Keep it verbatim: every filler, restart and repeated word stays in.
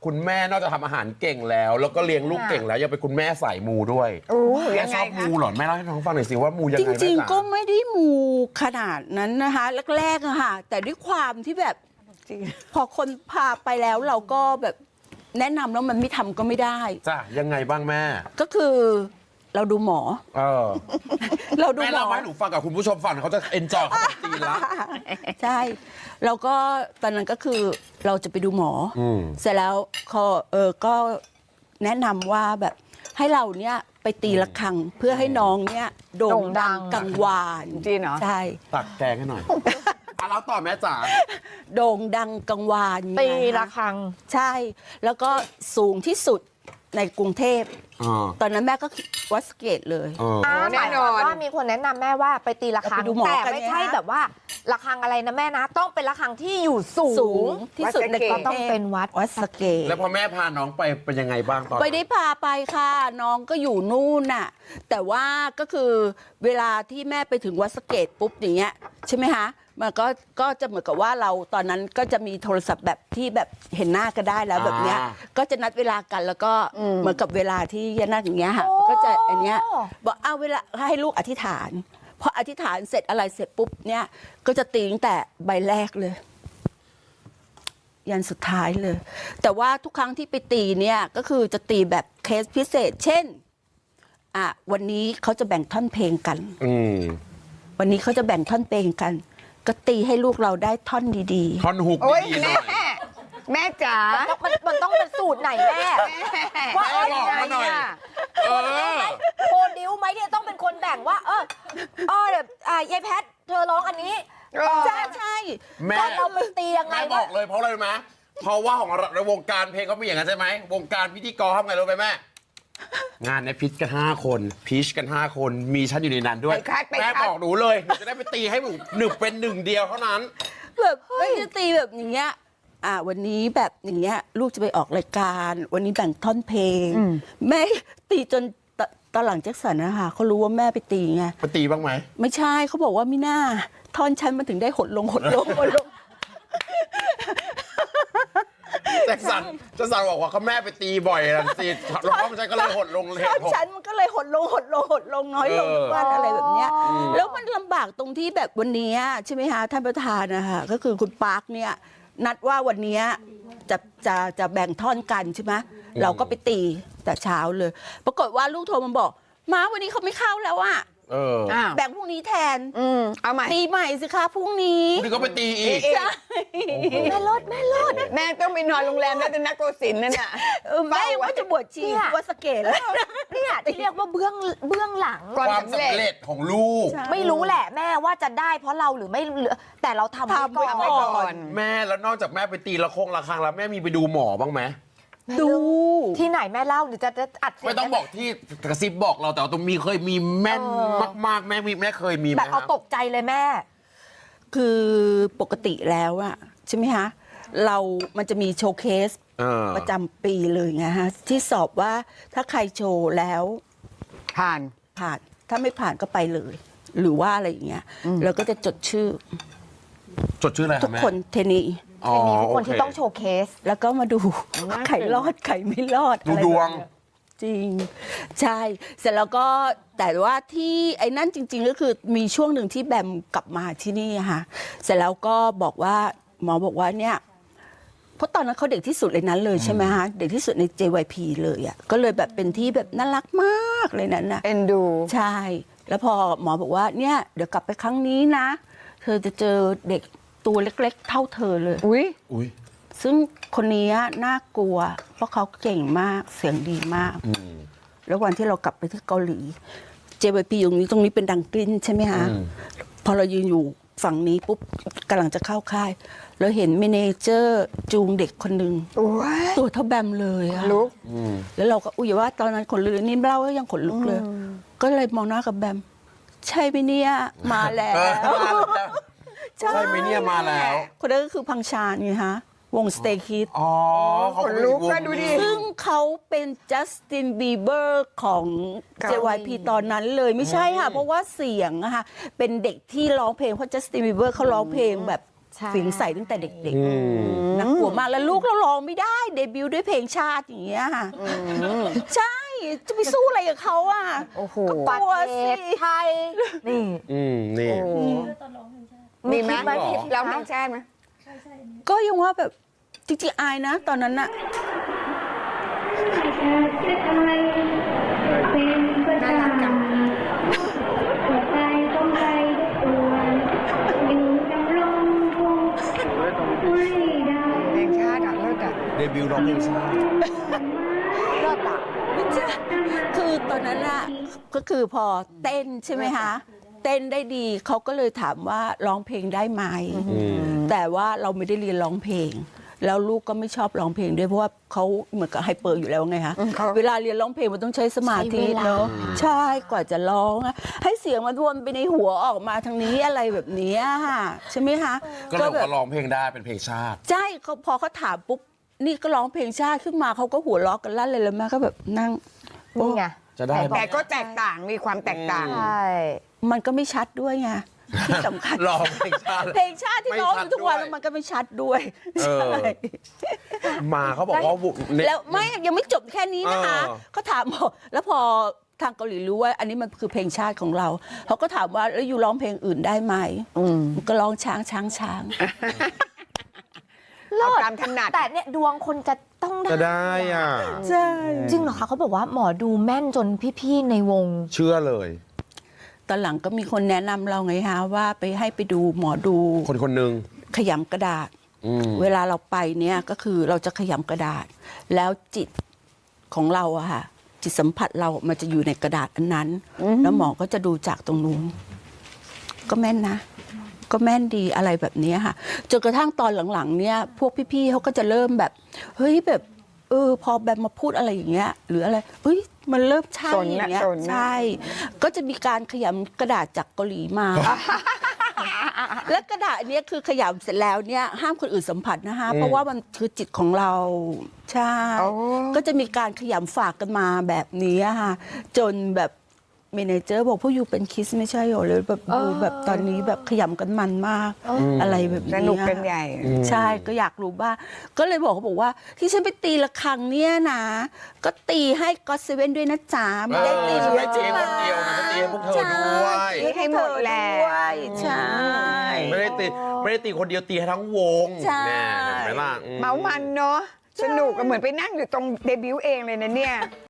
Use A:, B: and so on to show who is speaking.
A: คุณแม่นอกจากทำอาหารเก่งแล้ว แล้วก็เลี้ยงลูกเก่งแล้วยังเป็นคุณแม่สายมูด้วย
B: โอ้
A: แม่ชอบมูเหรอแม่เล่าให้น้องฟังหน่อยสิว่ามูยังไง
C: จริงๆก็ไม่ได้มูขนาดนั้นนะคะแรกๆอะค่ะแต่ด้วยความที่แบบพอคนพาไปแล้วเราก็แบบแนะนำแล้วมันไม่ทำก็ไม่ได้
A: จ้ะยังไงบ้างแม่
C: ก็คือเราดูหมอ
A: เออ
C: เราดูหมอ
A: แม่เล่าให้หนูฟังกับคุณผู้ชมฟังเขาจะเอนจอยเขาจะตีละ
C: ใช่เราก็ตอนนั้นก็คือเราจะไปดูหมอเสร็จแล้วเขาเออก็แนะนำว่าแบบให้เราเนี้ยไปตีระฆังเพื่อให้น้องเนี้ยโด่งดังกังวาน
B: จริงเหรอ
C: ใช่
A: ตักแกงให้หน่อยอ่ะแล้วต่อแม่จ๋า
C: โด่งดังกังวาน
B: ตีระฆัง
C: ใช่แล้วก็สูงที่สุดในกรุงเทพตอนนั้นแม่ก็วัดสเกตเลย
B: แน่นอนว่ามีคนแนะนำแม่ว่าไปตีระฆังแต่ไม่ใช่แบบว่าระฆังอะไรนะแม่นะต้องเป็นระฆังที่อยู่สูง
C: ที่สุดในกรุงเทพ
B: ต้องเป็นวัด
C: วัดสเกต
A: แล้วพอแม่พาน้องไปเป็นยังไงบ้างตอน
C: ไปได้พาไปค่ะน้องก็อยู่นู่นน่ะแต่ว่าก็คือเวลาที่แม่ไปถึงวัดสเกตปุ๊บอย่างเงี้ยใช่ไหมคะมันก็ก็จะเหมือนกับว่าเราตอนนั้นก็จะมีโทรศัพท์แบบที่แบบเห็นหน้าก็ได้แล้วแบบเนี้ยก็จะนัดเวลากันแล้วก็เหมือนกับเวลาที่ยานาอย่างเงี้ยค่ะก็จะอันเนี้ยบอกเอาเวลาให้ลูกอธิษฐานพออธิษฐานเสร็จอะไรเสร็จปุ๊บเนี่ยก็จะตีตั้งแต่ใบแรกเลยยันสุดท้ายเลยแต่ว่าทุกครั้งที่ไปตีเนี่ยก็คือจะตีแบบเคสพิเศษเช่นอ่ะวันนี้เขาจะแบ่งท่อนเพลงกันวันนี้เขาจะแบ่งท่อนเพลงกันก็ตีให้ลูกเราได้ท่อนดี
A: ๆท่อนฮุกดีๆหน่อย
B: แม่จ๋ามันมันต้องเป็นสูตรไหนแม่ว่าเออยังไงอ่ะโปรดิวไหมเนี่ยต้องเป็นคนแบ่งว่าเออเออแบบอ่ายายแพทเธอร้องอันนี้
C: ใช่ใช่
A: แม่
B: เราไปตียังไง
A: แม่บอกเลยเพราะอะไรไหมเพราะว่าของในวงการเพลงเขาไม่อย่างนั้นใช่ไหมวงการพิธีกรทำไงรู้ไหมแม่งานในพิชกันห้าคนพีชกันห้าคนมีฉันอยู่ในนั้นด้วยแม่บอกหนูเลยหนูจะได้ไปตีให้หนูหนึ่งเป็นหนึ่งเดียวเท่านั้น
C: แบบไม่จะตีแบบอย่างเงี้ยอ่าวันนี้แบบอย่างเงี้ยลูกจะไปออกรายการวันนี้แบ่งท่อนเพลงแม่ตีจนตอนหลังแจ็คสันนะคะเขารู้ว่าแม่ไปตีไง
A: ไปตีบ้างไหม
C: ไม่ใช่เขาบอกว่าไม่น่าท่อนฉันมันถึงได้หดลงหดลงหดลง
A: แจ็คสันแจ็คสันบอกว่าเขาแม่ไปตีบ่อยนะตีแล้วท่อนฉันก็เลยหดลงเลย
C: ท่อนฉันมันก็เลยหดลงหดลงหดลงน้อยลงทุกวันอะไรแบบเนี้ยแล้วมันลำบากตรงที่แบบวันนี้ใช่ไหมคะท่านประธานนะคะก็คือคุณปาร์คเนี่ยนัดว่าวันนี้จะจะจะแบ่งท่อนกันใช่ไหมเราก็ไปตีแต่เช้าเลยปรากฏว่าลูกโทรมาบอกม้าวันนี้เขาไม่เข้าแล้วอะแบ่งพรุ่งนี้แทน
B: เอาใหม่
C: ตีใหม่สิคะพรุ่งนี้
A: พรุ่งนี้ก็ไปตีอีก
C: ใช่
B: แม่รถแม่รถแม่ต้องไปนอนโรงแรมแล้วจะนักโกศินนั่นน่ะ
C: แม่ว่าจะบวชชีวัดสเกตแล้ว
B: เนี่ยที่เรียกว่าเบื้องเบื้องหลัง
A: ความสำเร็จของลูก
B: ไม่รู้แหละแม่ว่าจะได้เพราะเราหรือไม่แต่เราทำไว้ก่อน
A: แม่แล้วนอกจากแม่ไปตีละคงละครังแล้วแม่มีไปดูหมอบ้างไหม
C: ดู
B: ที่ไหนแม่เล่าหรือจะจะอัด
A: ไม่ต้องบอกที่กระซิบบอกเราแต่ตรงมีเคยมีแม่นมากๆแม่มีแม่เคยมีไหม
B: แบบเอาตกใจเลยแม่
C: คือปกติแล้วอะใช่ไหมคะเรามันจะมีโชว์เคสประจำปีเลยไงฮะที่สอบว่าถ้าใครโชว์แล้ว
B: ผ่าน
C: ผ่านถ้าไม่ผ่านก็ไปเลย หรือว่าอะไรอย่างเงี้ยแล้วก็จะจดชื่อ
A: จดชื่ออะไร
C: ทุกคนเทนี
B: ทุกคนที่ต้องโชว์เคส
C: แล้วก็มาดูไข่รอดไข่ไม่รอด
A: ดูดวง
C: จริงใช่เสร็จแล้วก็แต่ว่าที่ไอ้นั่นจริงๆก็คือมีช่วงหนึ่งที่แบมกลับมาที่นี่ค่ะเสร็จแล้วก็บอกว่าหมอบอกว่าเนี่ยเพราะตอนนั้นเขาเด็กที่สุดเลยนั้นเลยใช่ไหมฮะเด็กที่สุดใน เจ วาย พี เลยอ่ะก็เลยแบบเป็นที่แบบน่ารักมากเลยนั้นนะ
B: เอ็นดู
C: ใช่แล้วพอหมอบอกว่าเนี่ยเดี๋ยวกลับไปครั้งนี้นะเธอจะเจอเด็กตัวเล็กๆเท่าเธอเลย
B: อุ้ย
A: อุ้ย
C: ซึ่งคนนี้น่ากลัวเพราะเขาเก่งมากเสียงดีมากแล้ววันที่เรากลับไปที่เกาหลี เจ วาย พี อยู่นี้ตรงนี้เป็นดังกลิ้นใช่ไหมคะพอเรายืนอยู่ฝั่งนี้ปุ๊บกำลังจะเข้าค่ายแล้วเห็นเมเนเจอร์จูงเด็กคนหนึ่งตัวเท่าแบมเลยอะ
B: ลุก
C: แล้วเราก็อุ้ยว่าตอนนั้นขนลุกนี่เล่ายังขนลุกเลยก็เลยมองหน้ากับแบมใช่ไหมเนี่ยมาแล้ว
A: ใช่ไหมเนี่ยมาแล้ว
C: คนนั้นก็คือพังชาญไงฮะวง Stay Kids
A: อ๋อ
B: เขาเป็นวงดูดิ
C: ซึ่งเขาเป็นจัสตินบีเบอร์ของ เจ วาย พี ตอนนั้นเลยไม่ใช่ค่ะเพราะว่าเสียงอะค่ะเป็นเด็กที่ร้องเพลงเพราะจัสตินบีเบอร์เขาร้องเพลงแบบ
B: ใช่
C: เสียงใสตั้งแต่เด็ก
A: อืม
C: ๆน่ากลัวมากแล้วลูกเราร้องไม่ได้เดบิวต์ด้วยเพลงชาติอย่างเงี้ยค่ะใช่จะไปสู้อะไรกับเขาอ่ะ
B: โอ้โห
C: ก็ก
B: ประ
C: ลัว
B: เท
C: สิ
B: ศไทย นี่
A: อืมนี่
D: มีไหม
B: คิดไหม
A: หรอ
D: ร้องเพลงชาติไหม
C: ก็ยังว่าแบบจริงๆอายนะ ตอนนั้นน่ะ
D: น่ารักจัง เพลงชาติอ่ะเลิศอ่ะ
A: เดบิวต์ร้องเพลงชาติ
B: เลิศอ่ะ
C: ไม่ใช่คือตอนนั้นน่ะก็คือพอเต้นใช่ไหมคะเต้นได้ดีเขาก็เลยถามว่าร้องเพลงได้ไหมแต่ว่าเราไม่ได้เรียนร้องเพลง แล้วลูกก็ไม่ชอบร้องเพลงด้วยเพราะว่าเขาเหมือนกับไฮเปอร์อยู่แล้วไงคะ
D: อืมเขา
C: เวลาเรียนร้องเพลงมันต้องใช้สมาธิ
B: ใช้เวลา
C: เนาะใช่กว่าจะร้องอะให้เสียงมันวนไปในหัวออกมาทางนี้อะไรแบบเนี้ยค่ะใช่ไหมคะ
A: ก็เลยบอก
C: แบบ
A: ว่าร้องเพลงได้เป็นเพลงชาติ
C: ใช่เขาพอเขาถามปุ๊บนี่ก็ร้องเพลงชาติขึ้นมาเขาก็หัวเราะกันลั่นเลยแล้วแม่ก็แบบนั่ง
B: นี่ไง
A: จะได้ไหม
D: แต่ก็แตกต่างมีความแตกต่าง
B: ใช่
C: มันก็ไม่ชัดด้วยไงที่สำคัญ
A: ร้องเพลงชาติ
C: เพลงชาติที่ร้องอยู่ทุกวัน
A: ไม่ชัดด้วย
C: มันก็ไม่ชัดด้วย
A: เออ
C: ใช่
A: มาเขาบอกว่าบุเนี่ย
C: แล้วไม่ยังไม่จบแค่นี้นะคะ
A: เออ
C: เขาถามบอกแล้วพอทางเกาหลีรู้ว่า อันนี้มันคือเพลงชาติของเราเขาก็ถามว่าแล้วอยู่ร้องเพลงอื่นได้ไหมก็ร้องช้างช้างช้าง
B: เลิ
D: เอา
B: ศ
D: ตามถนัด
B: แต่เนี่ยดวงคนจะต้องได้
A: จะได้อ่ะ
C: ใช่
B: จริงเหรอคะเขาบอกว่าหมอดูแม่นจนพี่ๆในวง
A: เชื่อเลย
C: ตอนหลังก็มีคนแนะนำเราไงฮะว่าไปให้ไปดูหมอดู
A: คนคนหนึ่ง
C: ขยำกระดาษ
A: อืม
C: เวลาเราไปเนี่ยก็คือเราจะขยำกระดาษ แล้วจิตของเราอะค่ะ จิตสัมผัสเรามันจะอยู่ในกระดาษอันนั้น แล้วหมอก็จะดูจากตรงนู้นก็แม่นนะ ก็แม่นดีอะไรแบบเนี้ยค่ะจนกระทั่งตอนหลังๆ เนี่ย พวกพี่ๆเขาก็จะเริ่มแบบ เฮ้ยแบบ เออ พอแบบมาพูดอะไรอย่างเงี้ย หรืออะไรเฮ้ยมันเริ่มใช่
D: สน
C: อ
D: นะ
C: ย่างเงี้ย
D: สนนะ
C: ใช่ ก็จะมีการขยำกระดาษจากเกาหลีมา และกระดาษอันเนี้ยคือขยำเสร็จแล้วเนี่ยห้ามคนอื่นสัมผัสนะคะเพราะว่ามันคือจิตของเราใช่
D: โอ้
C: ก็จะมีการขยำฝากกันมาแบบนี้ค่ะจนแบบเมเนเจอร์บอกพวกอยู่เป็นคิสไม่ใช่หรอเลยแบบดูแบบตอนนี้แบบขยำกันมันมากอะไรแบบ
D: ส
C: นี้
D: นุกกันใหญ่
C: ใช่ก็อยากรู้บ้างก็เลยบอกเขาบอกว่าที่ฉันไปตีระฆังเนี่ยนะ ก็ตีให้ก็เซเว่นด้วยนะจ๊ะไม่ได้ตี
A: เออฉันไม่ตีคนเดียวนะฉันตีให้พวกเธอด้วย
C: ใช่
D: ให้หมดแหละ
C: ด้วยใช่
A: ไม่ได้ตีไม่ได้ตีคนเดียวตีให้ทั้งวง
C: ใช่
A: แน่เห็นไหมล่ะอื
D: เมามันเนาะสนุกอะเหมือนไปนั่งอยู่ตรงเดบิวต์เองเลยนะเนี่ย